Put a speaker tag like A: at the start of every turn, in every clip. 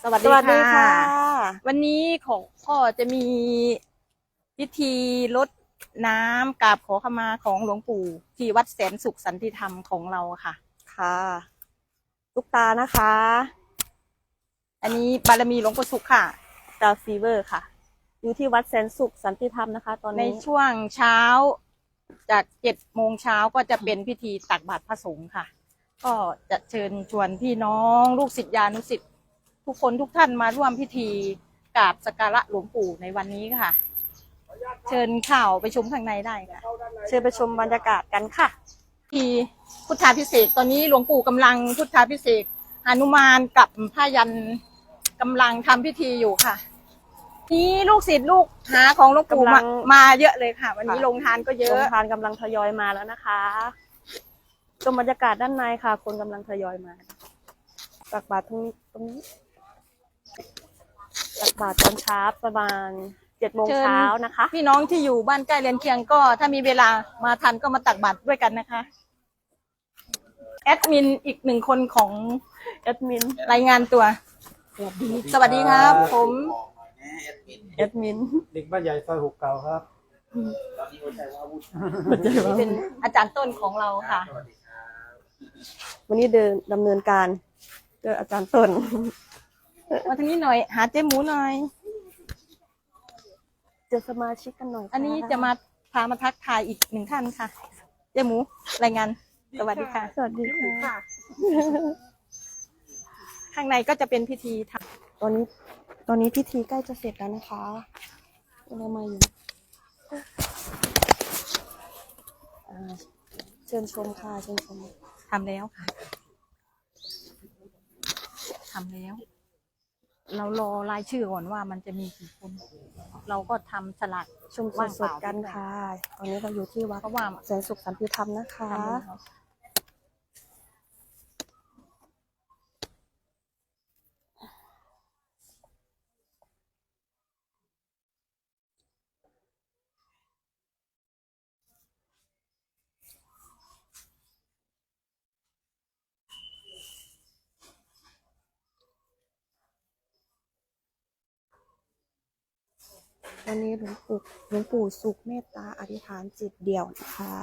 A: สวัสดีค่ะวันนี้ของพ่อจะมีพิธีรดน้ำกราบขอขมาของหลวงปู่ที่วัดแสนสุขสันติธรรมของเราค่ะ
B: ค่ะตุ๊กตานะคะ
A: อันนี้บารมีหลวงปู่สุขค่ะ
B: ดาวฟีเวอร์ค่ะ อยู่ที่วัดแสนสุขสันติธรรมนะคะ ตอน
A: ใน
B: นี้
A: ช่วงเช้าจาก7 โมงเช้าก็จะเป็นพิธีตักบาตรพระสงฆ์ค่ะ ก็จะเชิญชวนพี่น้องลูกศิษยานุศิษย์ทุกคนทุกท่านมาร่วมพิธีกราบสักการะหลวงปู่ในวันนี้ค่ะ เชิญข่าวไปชมข้างในได้ค่ะ
B: เชิญไปชมบรรยากาศกันค่ะ
A: ที่พุทธาภิเษกตอนนี้หลวงปู่กำลังพุทธาภิเษกหนุมานกับผ้ายันกำลังทำพิธีอยู่ค่ะนี่ลูกศิษย์ลูกหาของหลวงปู่มาเยอะเลยค่ะวันนี้โรงทานก็เยอะ
B: โรงทานกำลังทยอยมาแล้วนะคะชมบรรยากาศด้านในค่ะ คนกำลังทยอยมาตักบาตรตรงนี้ตักบาตรตอนเช้าประมาณ7 โมงเช้านะคะ
A: พี่น้องที่อยู่บ้านใกล้เรือนเคียงก็ถ้ามีเวลามาทันก็มาตักบาตรด้วยกันนะคะแอดมินอีก1 คนของ
B: แอดมิน
A: รายงานตัวสวัสดีครับผม
B: แอดมิน
C: เด็กบ้านใหญ่ซอย6 เก่าครับ
A: เป็นอาจารย์ต้นของเราค่ะ
B: วันนี้ดำเนินการโดยอาจารย์ต้น
A: มาทางนี้หน่อยหาเจ๊หมูหน่อย
B: เจอสมาชิกกันหน่อย
A: อันนี้จะมาพามาทักทายอีก1 ท่านค่ะเจ๊หมูรายงานสวัสดีค่ะ
B: สวัสดีค่ะ
A: ข้างในก็จะเป็นพิธีท
B: ำตอนนี้พิธีใกล้จะเสร็จแล้วนะคะเรามาอยู่เชิญชมค่ะเชิญชม
A: ทำแล้วค่ะทำแล้วเรารอรายชื่อก่อนว่ามันจะมีกี่คนเราก็ทำสลัก
B: ชมสดกันค่ะตอนนี้เราอยู่ที่วัด
A: เพราะว่า
B: แสนสุขสันติธรรมนะคะวันนี้หลวงปู่สุขเมตตาอธิษฐานจิตเดี่ยวนะคะ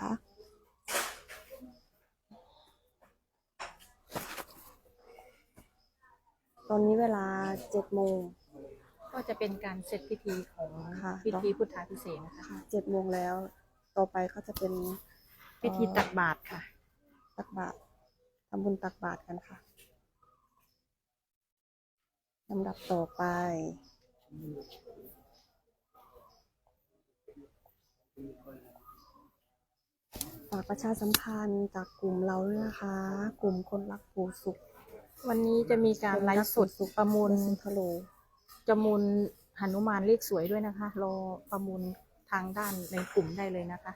B: ตอนนี้เวลา7 โมง
A: ก็จะเป็นการเสร็จพิธีของพิธีพุทธาภิเษกนะคะ
B: 7 โมงแล้วต่อไปก็จะเป็น
A: พิธีตักบาตรค่ะ
B: ตักบาตรทำบุญตักบาตรกันค่ะลำดับต่อไปฝากประชาสัมพันธ์จากกลุ่มเราด้วยนะคะกลุ่มคนรักปู่สุข
A: วันนี้จะมีการไลฟ์สดประมูลจะมูลหนุมานเลขสวยด้วยนะคะรอประมูลทางด้านในกลุ่มได้เลยนะคะ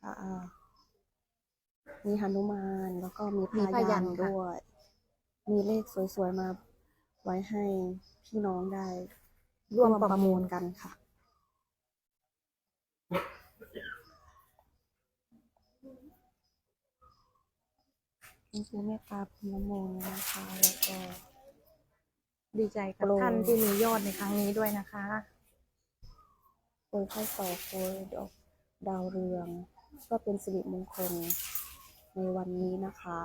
B: มีหนุมานแล้วก็มีพายันด้วยมีเลขสวยๆมาไว้ให้พี่น้องได้ร่วมประมูลกันค่ะนี่คือเมตตาพรหมโมนะคะแล้วก็
A: ดีใจกับท่านที่มียอดในครั้งนี้ด้วยนะคะ
B: โปรยข้าวตอกโปรยดาวเรืองก็เป็นสิริมงคลในวันนี้นะคะ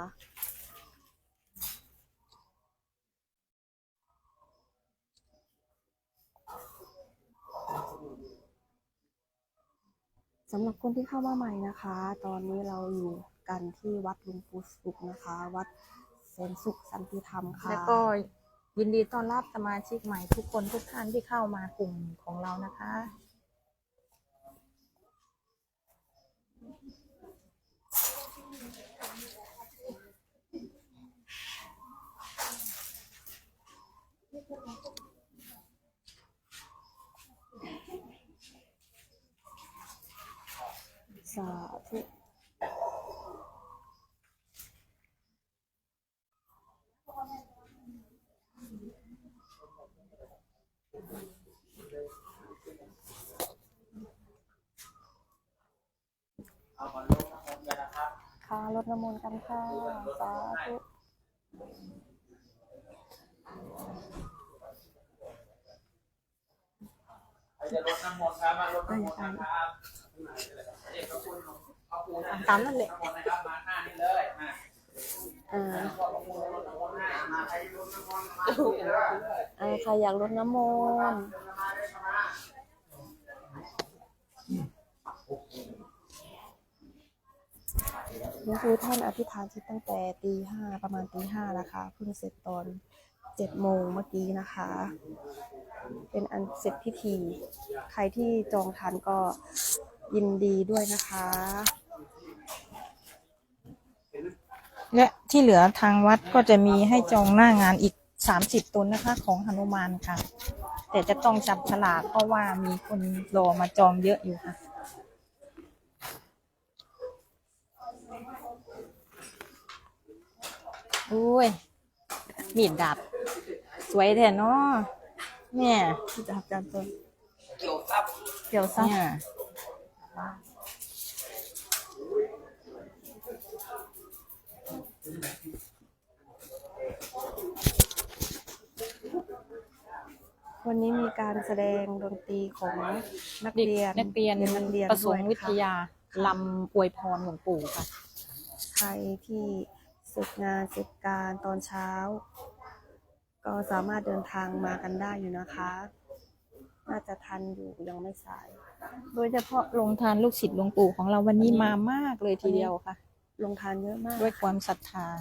B: สำหรับคนที่เข้ามาใหม่นะคะตอนนี้เราอยู่กันที่วัดหลวงปู่สุขนะคะวัดแสนสุขสันติธรรมค่ะ
A: แล้วก็ยินดีต้อนรับสมาชิกใหม่ทุกคนทุกท่านที่เข้ามากลุ่มของเรานะคะ
B: สาธุค่ะรดน้ำมนต์กันค่ะสาธุ
D: จะรดน้ำมนต์ครับมารดน้ำมนต์นะครับเด็กก็คุณเอาปูน้ำ
A: ตามนั่นแหละ
D: มนต์นะครับมาหน้านี่เลยมา
B: อ่า
D: พ่อประมูลรดน้ำมนต์ให้มาใครรดน้ำมนต์มาที่นี่เลย
B: ใครอยากรดน้ำมนต์หลวงปู่ท่านอธิษฐานจิตตั้งแต่ตี 5ประมาณตี 5นะคะเพิ่งเสร็จตอน7 โมงเมื่อกี้นะคะ เป็นอันเสร็จพิธี ใครที่จองทันก็ยินดีด้วยนะคะ
A: และที่เหลือทางวัดก็จะมีให้จองหน้างานอีก30 ตนนะคะ ของหนุมานค่ะ แต่จะต้องจับฉลากเพราะว่ามีคนรอมาจองเยอะอยู่ค่ะอุ้ยมีดดาบสวยแท้เนาะเนี่ย
B: จับจับตัว
D: เกี่ยวซับ
B: เกี่ยวซับ
A: เนี่ย
B: วันนี้มีการแสดงดนตรีของนัก
A: เด็ก
B: เรียน
A: นักเรียน
B: นักเรียน
A: ประส
B: ด้ว
A: ง
B: ย
A: ค์วิทยาลำอวยพรหลวงปู่ค่ะ
B: ใครที่เสร็จงานเสร็จการตอนเช้า ก็สามารถเดินทางมากันได้อยู่นะคะ น่าจะทันอยู่ยังไม่สาย
A: โดยเฉพาะลงทานลูกศิษย์หลวงปู่ของเราวันนี้มามากเลยทีเดียวค่ะ
B: ลงทานเยอะมาก
A: ด้วยความศรัทธา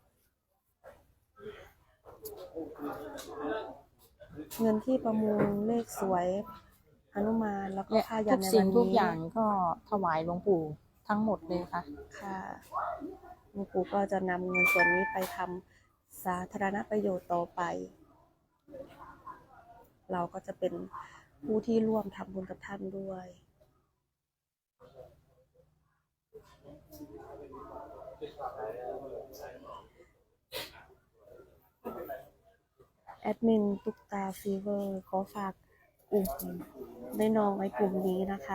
B: เงินที่ประมูลเลขสวยหนุมานแล้วก็
A: และ
B: ผ้ายั
A: ทุ
B: น
A: ก
B: ใน
A: สิ่
B: วั
A: ง
B: น
A: ทุก
B: นี้
A: อย่างก็ถวายหลวงปู่ทั้งหมดเลยค่ะ
B: ค่ะหลวงปู่ก็จะนำเงินส่วนนี้ไปทำสาธารณประโยชน์ต่อไป เราก็จะเป็นผู้ที่ร่วมทำบุญกับท่านด้วย แอดมินตุ๊กตาฟีเวอร์ขอฝากกลุ่มได้น้องไว้กลุ่มนี้นะคะ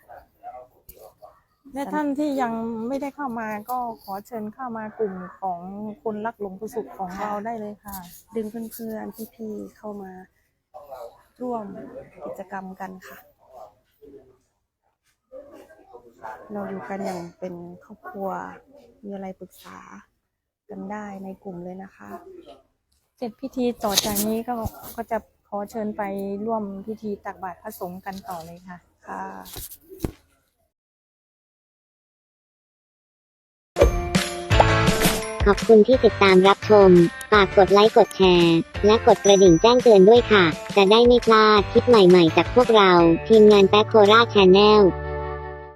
A: และท่านที่ยังไม่ได้เข้ามาก็ขอเชิญเข้ามากลุ่มของคนรักหลวงปู่ศุกร์ของเราได้เลยค่ะ
B: ดึงเพื่อนๆพี่ๆเข้ามาร่วมกิจกรรมกันค่ะ เราอยู่กันอย่างเป็นครอบครัว มีอะไรปรึกษากันได้ในกลุ่มเลยนะคะ
A: เสร็จพิธีต่อจากนี้ก็จะขอเชิญไปร่วมพิธีตักบาตรพระสงฆ์กันต่อเลยค่ะ
B: ค่ะ
E: ขอบคุณที่ติดตามรับชม ฝากกดไลค์กดแชร์ และกดกระดิ่งแจ้งเตือนด้วยค่ะ จะได้ไม่พลาดคลิปใหม่ๆจากพวกเรา ทีมงานแป๊กโคราชแชนแนล